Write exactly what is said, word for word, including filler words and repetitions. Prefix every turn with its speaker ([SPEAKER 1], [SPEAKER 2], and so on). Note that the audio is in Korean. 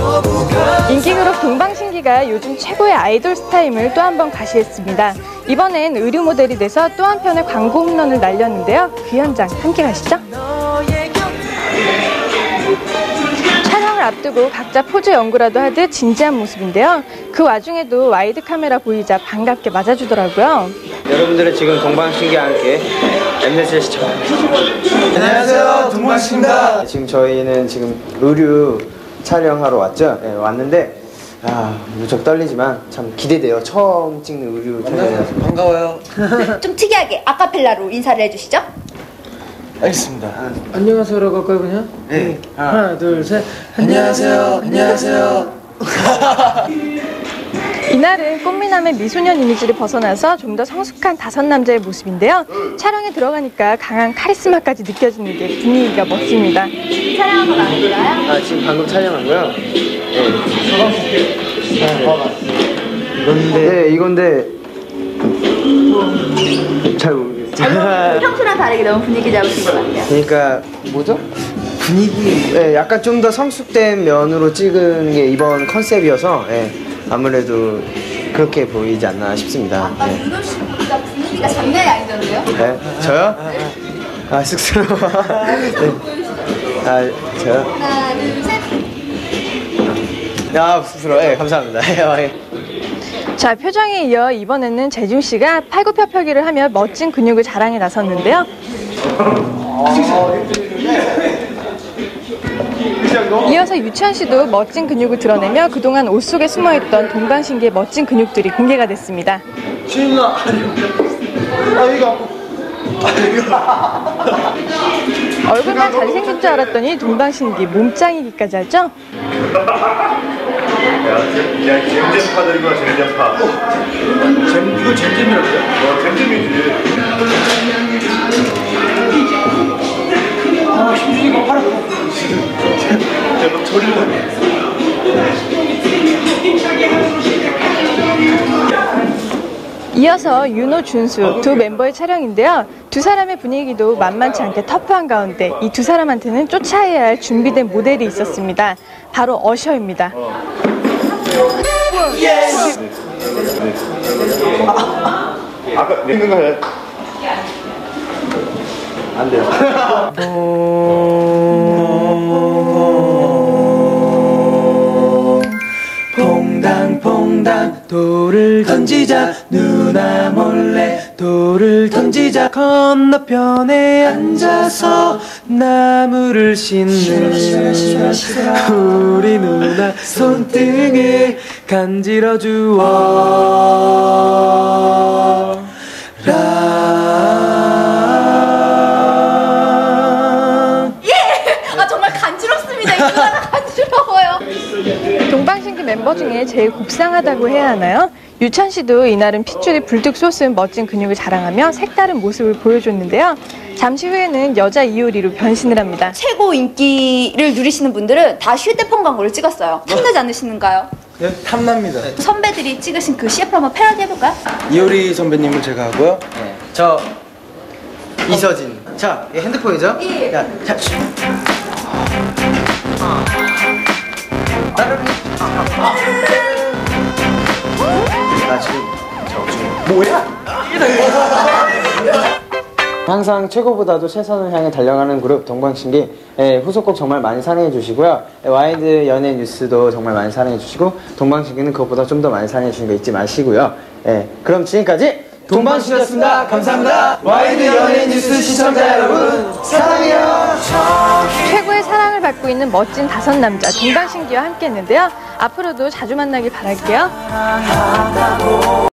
[SPEAKER 1] 인기 그룹 동방신기가 요즘 최고의 아이돌 스타임을 또 한 번 가시했습니다. 이번엔 의류 모델이 돼서 또 한편의 광고 홈런을 날렸는데요. 그 현장 함께 가시죠. 촬영을 앞두고 각자 포즈 연구라도 하듯 진지한 모습인데요. 그 와중에도 와이드 카메라 보이자 반갑게 맞아주더라고요.
[SPEAKER 2] 여러분들은 지금 동방신기와 함께 엠넷을 시청하고 계십니다.
[SPEAKER 3] 안녕하세요, 동방신기입니다.
[SPEAKER 2] 지금 저희는 지금 의류 촬영하러 왔죠. 네, 왔는데 아, 무척 떨리지만 참 기대돼요. 처음 찍는 의류 촬영이라서
[SPEAKER 3] 반가워요.
[SPEAKER 4] 좀 특이하게 아카펠라로 인사를 해주시죠.
[SPEAKER 3] 알겠습니다. 아,
[SPEAKER 5] 안녕하세요라고 할까요 그냥?
[SPEAKER 3] 네.
[SPEAKER 5] 하나, 하나 둘 셋.
[SPEAKER 3] 안녕하세요. 안녕하세요.
[SPEAKER 1] 이날은 꽃미남의 미소년 이미지를 벗어나서 좀 더 성숙한 다섯 남자의 모습인데요. 촬영에 들어가니까 강한 카리스마까지 느껴지는 게 분위기가 멋집니다.
[SPEAKER 4] 촬영한 건 아니고요?
[SPEAKER 2] 아, 지금 방금 촬영하고요. 네. 이건데 네, 이건데 잘 모르겠어요.
[SPEAKER 4] 평소랑 다르게 너무 분위기 잡으신 것 같아요.
[SPEAKER 2] 그러니까 뭐죠? 분위기 네, 약간 좀 더 성숙된 면으로 찍은 게 이번 컨셉이어서 네, 아무래도 그렇게 보이지 않나 싶습니다.
[SPEAKER 4] 아까
[SPEAKER 2] 네.
[SPEAKER 4] 윤호 씨보다 분위기가 장난이 아니던데요?
[SPEAKER 2] 네? 저요? 아, 쑥스러워. 네. 아, 저요?
[SPEAKER 4] 하나, 둘, 셋.
[SPEAKER 2] 아, 쑥스러워. 네, 감사합니다. 네.
[SPEAKER 1] 자, 표정에 이어 이번에는 재중 씨가 팔굽혀펴기를 하며 멋진 근육을 자랑해 나섰는데요. 이어서 유치원 씨도 멋진 근육을 드러내며 그동안 옷 속에 숨어있던 동방신기의 멋진 근육들이 공개가 됐습니다.
[SPEAKER 3] 신나. 아, 이거.
[SPEAKER 1] 얼굴만 잘생긴 줄 알았더니 동방신기 몸짱이기까지 하죠?
[SPEAKER 6] 야, 잼잼파들이구나, 잼잼파.
[SPEAKER 3] 잼, 이거 잼잼이라고요?
[SPEAKER 6] 어, 잼잼이지.
[SPEAKER 3] 아, 힘주니까 팔 아파.
[SPEAKER 6] 야, 너 저리 가.
[SPEAKER 1] 이어서 윤호, 준수 두 멤버의 촬영인데요. 두 사람의 분위기도 만만치 않게 터프한 가운데 이 두 사람한테는 쫓아야 할 준비된 모델이 있었습니다. 바로 어셔입니다.
[SPEAKER 6] 아까 내 거 해.
[SPEAKER 2] 안 돼요.
[SPEAKER 5] 퐁당퐁당 돌을 던지자 누나 몰래 돌을 던지자 건너편에 앉아서 나무를 싣는 우리 누나 손등을 간지러 주어
[SPEAKER 4] 아, 정말 간지럽습니다. 이 누나가 간지러워요.
[SPEAKER 1] 동방신기 멤버 중에 제일 곱상하다고 해야 하나요? 유찬 씨도 이날은 핏줄이 불뚝 솟은 멋진 근육을 자랑하며 색다른 모습을 보여줬는데요. 잠시 후에는 여자 이효리로 변신을 합니다.
[SPEAKER 4] 최고 인기를 누리시는 분들은 다 휴대폰 광고를 찍었어요. 탐나지 않으시는가요?
[SPEAKER 3] 네, 탐납니다.
[SPEAKER 4] 선배들이 찍으신 그 씨에프 한번 패러디 해볼까요?
[SPEAKER 3] 이효리 선배님은 제가 하고요.
[SPEAKER 2] 네. 저 이서진. 자, 이게 핸드폰이죠?
[SPEAKER 4] 예.
[SPEAKER 2] 야, 자. 따르릉. 나 지금 저 지금 뭐야? 항상 최고보다도 최선을 향해 달려가는 그룹 동방신기. 예, 후속곡 정말 많이 사랑해 주시고요. 예, 와이드 연예 뉴스도 정말 많이 사랑해 주시고 동방신기는 그것보다 좀 더 많이 사랑해 주시는 거 잊지 마시고요. 예, 그럼 지금까지 동방신기였습니다. 감사합니다. 와이드 연예 뉴스 시청자 여러분 사랑해요.
[SPEAKER 1] 최고의 사랑을 받고 있는 멋진 다섯 남자 동방신기와 함께 했는데요. 앞으로도 자주 만나길 바랄게요.